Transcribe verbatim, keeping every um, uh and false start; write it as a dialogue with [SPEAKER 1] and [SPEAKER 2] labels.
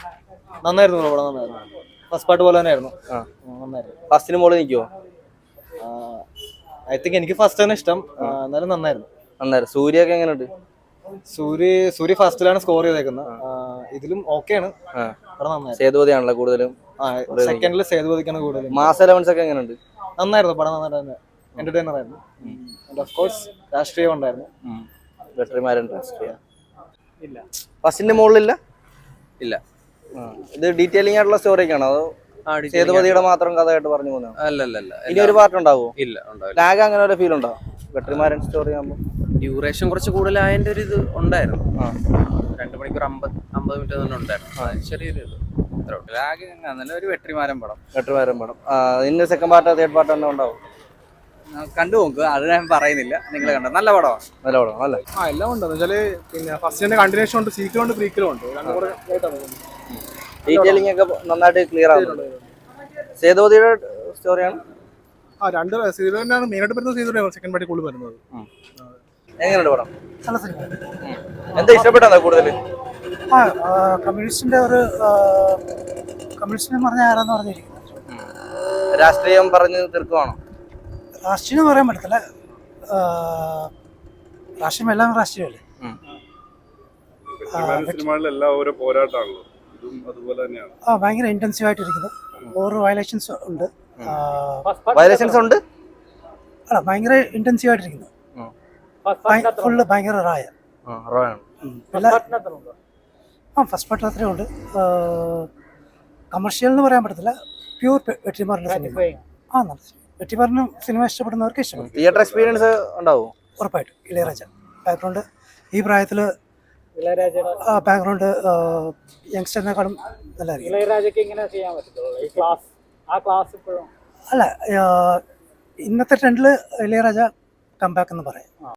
[SPEAKER 1] നന്നായിരുന്നു ബ്രോ, പടം നന്നായിരുന്നു. ഫസ്റ്റ് പാർട്ട് പോലെ തന്നെയായിരുന്നു. നന്നായിരുന്നു.
[SPEAKER 2] ഫസ്റ്റിന് മോള് നിൽക്കുവോ?
[SPEAKER 1] ഐ തിങ്ക് എനിക്ക് ഫസ്റ്റ് തന്നെ ഇഷ്ടം. എന്നാലും നന്നായിരുന്നു.
[SPEAKER 2] നന്നായിരുന്നു. സൂര്യൊക്കെ എങ്ങനെയുണ്ട്?
[SPEAKER 1] സൂര്യ സൂര്യ ഫസ്റ്റിലാണ് സ്കോർ ചെയ്തേക്കുന്നത്. ഇതിലും ഓക്കെയാണ്.
[SPEAKER 2] സേതുപതിയാണല്ലോ കൂടുതലും.
[SPEAKER 1] സെക്കൻഡില് സേതുപതിക്കാണ് കൂടുതലും.
[SPEAKER 2] മാസ് എലവൻസ് ഒക്കെ എങ്ങനെയുണ്ട്?
[SPEAKER 1] നന്നായിരുന്നു. പടം നന്നായിട്ട് തന്നെ എന്റർടൈനർ ആയിരുന്നു. ഓഫ് കോഴ്സ് രാഷ്ട്രീയം ഉണ്ടായിരുന്നു.
[SPEAKER 2] വെട്ടറിമാരൻ രാഷ്ട്രീയ ഇല്ല. ഫസ്റ്റിന്റെ മുകളിലില്ല. ഇല്ല. ഇത് ഡീറ്റെയിലിംഗ് ആയിട്ടുള്ള സ്റ്റോറി ഒക്കെയാണോ അതോ സേതുപതിയുടെ മാത്രം കഥയായിട്ട് പറഞ്ഞു പോകുന്നത്?
[SPEAKER 3] അല്ലല്ല.
[SPEAKER 2] ഇനി ഒരു പാർട്ട് ഉണ്ടാവോ?
[SPEAKER 3] ഇല്ല,
[SPEAKER 2] ലാഗ് അങ്ങനെ ഒരു ഫീൽ ഉണ്ടോ വെട്ടറിമാരൻ സ്റ്റോറി ആകുമ്പോൾ?
[SPEAKER 3] ഡ്യൂറേഷൻ കുറച്ച് കൂടുതലായതിന്റെ ഒരു ഇത് ഉണ്ടായിരുന്നു. രണ്ടു മണിക്കൂർ അമ്പത് അമ്പത് മിനിറ്റ് തന്നെ ഉണ്ടായിരുന്നു. ചെറിയൊരു ലാഗ്. നല്ലൊരു വെട്ടറിമാരൻ പടം.
[SPEAKER 2] വെട്ടറിമാരൻ പടം. ഇന്ന് സെക്കൻഡ് പാർട്ട് തേർഡ് പാർട്ട് തന്നെ ഉണ്ടാവും.
[SPEAKER 3] കണ്ടു നോക്കുക, അത് ഞാൻ പറയുന്നില്ല. നിങ്ങൾ കണ്ടോ? നല്ല പടമാണ്.
[SPEAKER 2] നല്ല പടം അല്ലേ?
[SPEAKER 4] ആ എല്ലാം ഉണ്ട്. വെച്ചാല് പിന്നെ ഫസ്റ്റിന്റെ കണ്ടിന്യൂഷൻ ഉണ്ട്, സീക്വലും ഉണ്ട്, പ്രീക്വലും ഉണ്ട്.
[SPEAKER 2] ഡീറ്റെയിലിംഗ് ഒക്കെ നന്നായിട്ട് ക്ലിയർ ആവുന്നുണ്ട്. സേതുപതിയുടെ സ്റ്റോറിയാണ്.
[SPEAKER 4] ആ രണ്ട് സീതോനാണ് മെയിനായിട്ട് വരുന്നത്. സീതോനാണ് സെക്കൻഡ് പാർട്ടി കൂടുതൽ വരുന്നത്.
[SPEAKER 2] എങ്ങനെയുണ്ട് പടം?
[SPEAKER 5] നല്ല സിനിമ.
[SPEAKER 2] എന്താ ഇഷ്ടപ്പെട്ടതാ കൂടുതൽ?
[SPEAKER 5] ആ കമ്മ്യൂണിസ്റ്റിന്റെ ഒരു കമ്മ്യൂണിസ്റ്റ് എന്ന് പറഞ്ഞാൽ ആരാന്ന് പറഞ്ഞിരിക്കുന്നത്
[SPEAKER 2] രാഷ്ട്രീയം പറഞ്ഞ് തീർക്കുവാണോ?
[SPEAKER 5] രാഷ്ട്രീയം എന്ന് പറയാൻ പറ്റത്തില്ല. രാഷ്ട്രീയം എല്ലാം രാഷ്ട്രീയമല്ലേ. ആ ഭയങ്കര ഇന്റൻസീവ് ആയിട്ടിരിക്കുന്നു. ഓരോ വയലേഷൻസ് ഉണ്ട്.
[SPEAKER 2] വയലേഷൻസ് ഉണ്ട്.
[SPEAKER 5] അല്ല ഭയങ്കര ഇന്റൻസീവ് ആയിട്ടിരിക്കുന്നു. ഫുള്ള് ഭയങ്കര റായ. ആ ഫസ്റ്റ് പാർട്ട് അത്രയും ഉണ്ട്. കമേഴ്ഷ്യൽ എന്ന് പറയാൻ പറ്റത്തില്ല. പ്യൂർ വെട്ടിമാറിന്റെ സിനിമ. ആ നല്ല സിനിമ. വെട്ടിമാറിന് സിനിമ ഇഷ്ടപ്പെടുന്നവർക്ക് ഇഷ്ടപ്പെടും.
[SPEAKER 2] തിയേറ്റർ എക്സ്പീരിയൻസ് ഉണ്ടാവും
[SPEAKER 5] ഉറപ്പായിട്ടും. ഇളയരാജ ബാക്ക്ഗ്രൗണ്ട് ഈ പ്രായത്തില് ബാക്ക്ഗ്രൗണ്ട് യങ്സ്റ്ററിനെക്കാളും നല്ലതായിരിക്കും. അല്ല ഇന്നത്തെ ട്രെൻഡില് ഇളയരാജ കംബാക്ക് എന്ന് പറയാം.